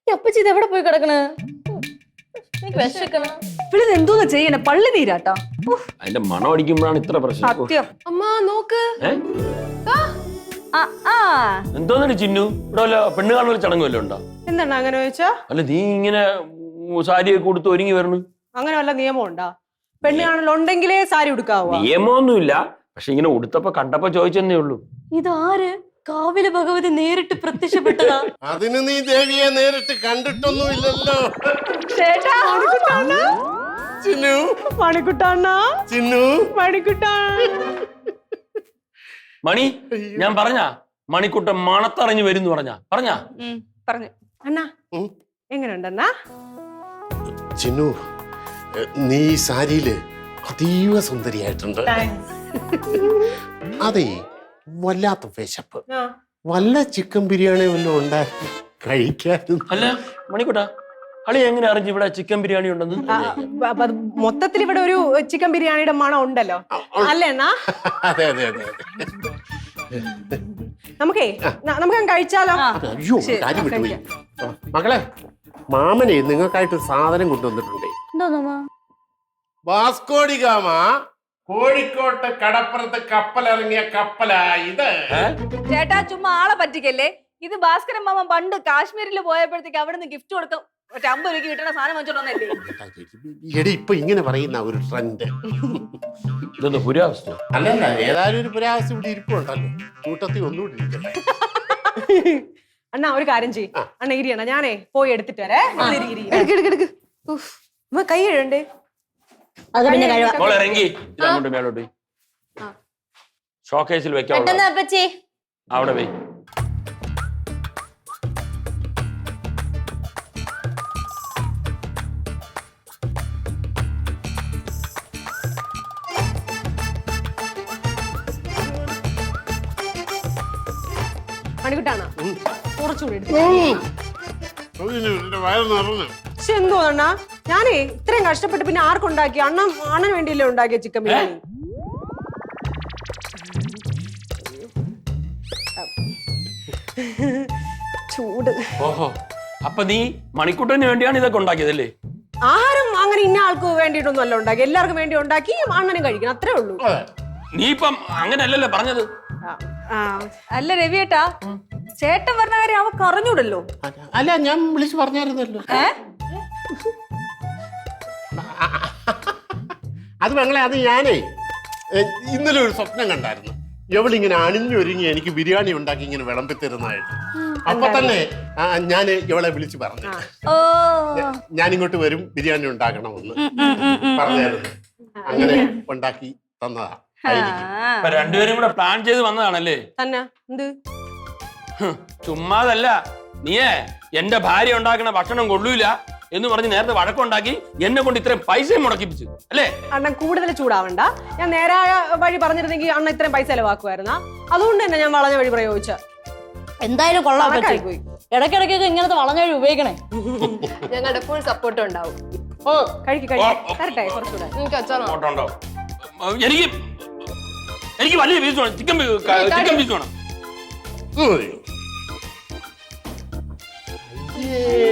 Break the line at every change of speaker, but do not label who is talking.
ഈ അപ്പച്ചി ഇത് എവിടെ പോയി കിടക്കണ്? എനിക്ക് വിശക്കണം.
ഇവിടെ എന്തോന്ന് ചെയ്യണേ? പള്ളി നീരാട്ടാ.
അതിന്റെ മണം അടിക്കുമ്പോഴാണ് ഇത്ര പ്രശ്നം.
സത്യം.
അമ്മ നോക്ക്.
എന്തോന്നടി ചിന്നു, ഇവിടെ വല്ല പെണ്ണ് കാണുന്ന ചടങ്ങ് വല്ലതും ഉണ്ടോ?
എന്താണ് അങ്ങനെ ചോദിച്ചാ?
അല്ല നീ ഇങ്ങനെ സാരിയൊക്കെ കൊടുത്ത് ഒരുങ്ങി വരണു.
അങ്ങനെ വല്ല നിയമം ഉണ്ടാ? പെണ്ണ് കാണലുണ്ടെങ്കിലേ സാരി ഉടുക്കാവോ?
നിയമമൊന്നുമില്ല, പക്ഷെ ഇങ്ങനെ ഉടുത്തപ്പോ കണ്ടപ്പോ ചോദിച്ചെന്നേ ഉള്ളൂ.
ഇതാര്? കാവിലെ ഭഗവതി നേരിട്ട് പ്രത്യക്ഷപ്പെട്ടതാ?
അതിന് നീ ദേവിയെ നേരിട്ട് കണ്ടിട്ടൊന്നുമില്ലല്ലോ.
ചേട്ടാ
ചിന്നു,
മണിക്കുട്ടാണ്ണ,
ചിന്നു,
മണിക്കുട്ടാ.
മണി, ഞാൻ പറഞ്ഞ മണിക്കുട്ടൻ മണത്തറിഞ്ഞു വരും പറഞ്ഞ
പറഞ്ഞു.
അണ്ണാ എങ്ങനെയുണ്ടെന്നാ?
ചിന്നു, നീ ഈ സാരിയില് അതീവ സുന്ദരിയായിട്ടുണ്ട്. അതെ, വല്ലാത്ത വിശപ്പ്. വല്ല ചിക്കൻ ബിരിയാണി വല്ലതും ഉണ്ടാക്കി കഴിക്കായിരുന്നു.
അല്ല മണിക്കുട്ട, അളി എങ്ങനെ അറിഞ്ഞു ഇവിടെ ചിക്കൻ ബിരിയാണി ഉണ്ടെന്ന്?
മൊത്തത്തിൽ ഇവിടെ ഒരു ചിക്കൻ ബിരിയാണിയുടെ മണം ഉണ്ടല്ലോ, അല്ലേ അണ്ണാ?
അതെ അതെ അതെ അതെ.
നമുക്കേ നമുക്ക് കഴിച്ചാലോ?
അയ്യോ, കാര്യം വിട്ടുപോയി. മകളെ, മാമനെ നിങ്ങൾക്കായിട്ട് സാധനം കൊണ്ടുവന്നിട്ടുണ്ടേ. വാസ്കോഡി ഗാമ കോഴിക്കോട്ട് കടപ്പുറത്ത് കപ്പലിറങ്ങിയ കപ്പലാ ഇത്.
ചേട്ടാ ചുമ്മാ ആളെ പറ്റിക്കല്ലേ. ഇത് ഭാസ്കരൻ മാമ പണ്ട് കാശ്മീരിൽ പോയപ്പോഴത്തേക്ക് അവിടെ നിന്ന് ഗിഫ്റ്റ് കൊടുക്കും. 50 രൂപയ്ക്ക് കിട്ടുന്ന സാധനം വെച്ചോണ്ടല്ലേ?
എടി, ഇപ്പൊ ഇങ്ങനെ പറയുന്ന ഒരു ട്രെൻഡ്.
ഇതൊന്ന് പുരാവസ്ഥ
അല്ലല്ല, ഏതായാലും ഒരു പുരാവസ്ഥ ഇവിടെ ഇരിപ്പുണ്ടല്ലോ. കൂട്ടത്തിൽ ഒന്നുകൂടി ഇരിക്കട്ടെ.
അണ്ണാ ഒരു കാര്യം ചെയ്യ്. അണ്ണ ഇരിയണ, ഞാനേ പോയി എടുത്തിട്ട് വരേ.
കൈ കഴുകണ്ടേ?
അത് പിന്നെ കഴിവാ.
ഇറങ്ങി ഇതങ്ങോട്ട് മേലോട്ട് പോയി ഷോക്കേസിൽ വെക്കാം.
അപ്പച്ചി
അവിടെ പോയി.
മണിക്കുട്ടാണ് കുറച്ചുകൂടി എടുത്തു.
വയറ് നിറഞ്ഞു.
പക്ഷെ എന്തോ അണ്ണാ, ഞാനേ ഇത്രയും കഷ്ടപ്പെട്ട് പിന്നെ ആർക്കുണ്ടാക്കി? അണ്ണന് വേണ്ടിയല്ലേ ഉണ്ടാക്കിയ ചിക്കൻ ബിരിയാണി. ചൂട്.
ഓഹോ, അപ്പൊ നീ മണിക്കുട്ടന് വേണ്ടിയാണ് ഇതൊക്കെ ഉണ്ടാക്കിയതല്ലേ?
ആഹാരം അങ്ങനെ ഇന്ന ആൾക്ക് വേണ്ടിയിട്ടൊന്നും അല്ല ഉണ്ടാക്കി, എല്ലാവർക്കും വേണ്ടി ഉണ്ടാക്കി അണ്ണനും കഴിക്കണം, അത്രേ ഉള്ളൂ.
നീ ഇപ്പം അങ്ങനെയല്ലല്ലോ പറഞ്ഞത്.
അല്ല രവിയേട്ടാ, ചേട്ടൻ പറഞ്ഞ കാര്യം അവക്ക് അറിഞ്ഞൂടല്ലോ.
അല്ല, ഞാൻ വിളിച്ചു പറഞ്ഞായിരുന്നല്ലോ. അത് മകളെ, അത് ഞാനേ ഇന്നലെ ഒരു സ്വപ്നം കണ്ടായിരുന്നു. എവളിങ്ങനെ അണിഞ്ഞൊരുങ്ങി എനിക്ക് ബിരിയാണി ഉണ്ടാക്കി ഇങ്ങനെ വിളമ്പിത്തരുന്നതായിട്ട്. അപ്പൊ തന്നെ ഞാൻ ഇവളെ വിളിച്ചു പറഞ്ഞു, ഞാനിങ്ങോട്ട് വരും, ബിരിയാണി ഉണ്ടാക്കണമെന്ന് പറഞ്ഞായിരുന്നു. അങ്ങനെ ഉണ്ടാക്കി തന്നതാ.
രണ്ടുപേരും കൂടെ പ്ലാൻ ചെയ്ത് വന്നതാണല്ലേ?
തന്നെ എന്ത്
ചുമ്മാതല്ല. നീയേ എന്റെ ഭാര്യ ഉണ്ടാക്കുന്ന ഭക്ഷണം കൊള്ളൂല എന്ന് പറഞ്ഞ് നേരത്തെ വഴക്കുണ്ടാക്കി എന്നെ കൊണ്ട് ഇത്രയും പൈസ മുടക്കിപ്പിച്ചു അല്ലേ?
അണ്ണൻ കൂടുതൽ ചൂടാവണ്ട. ഞാൻ നേരായ വഴി പറഞ്ഞിരുന്നെങ്കിൽ അണ്ണ ഇത്രയും പൈസ ചെലവാക്കുമായിരുന്നാ. അതുകൊണ്ട് തന്നെ ഞാൻ വളഞ്ഞ വഴി പ്രയോഗിച്ച.
എന്തായാലും കൊള്ളാൻ പോയി. ഇടയ്ക്കിടയ്ക്കൊക്കെ ഇങ്ങനത്തെ വളഞ്ഞ വഴി ഉപയോഗിക്കണേ.
ഞങ്ങളുടെ ഫുൾ സപ്പോർട്ട് ഉണ്ടാവും.
ഓ കഴിക്കട്ടെ കുറച്ചുകൂടെ.
എനിക്ക് അച്ഛനോ
എനിക്ക് വലിയ പീസ് വേണം. ചിക്കൻ പീസ് വേണം.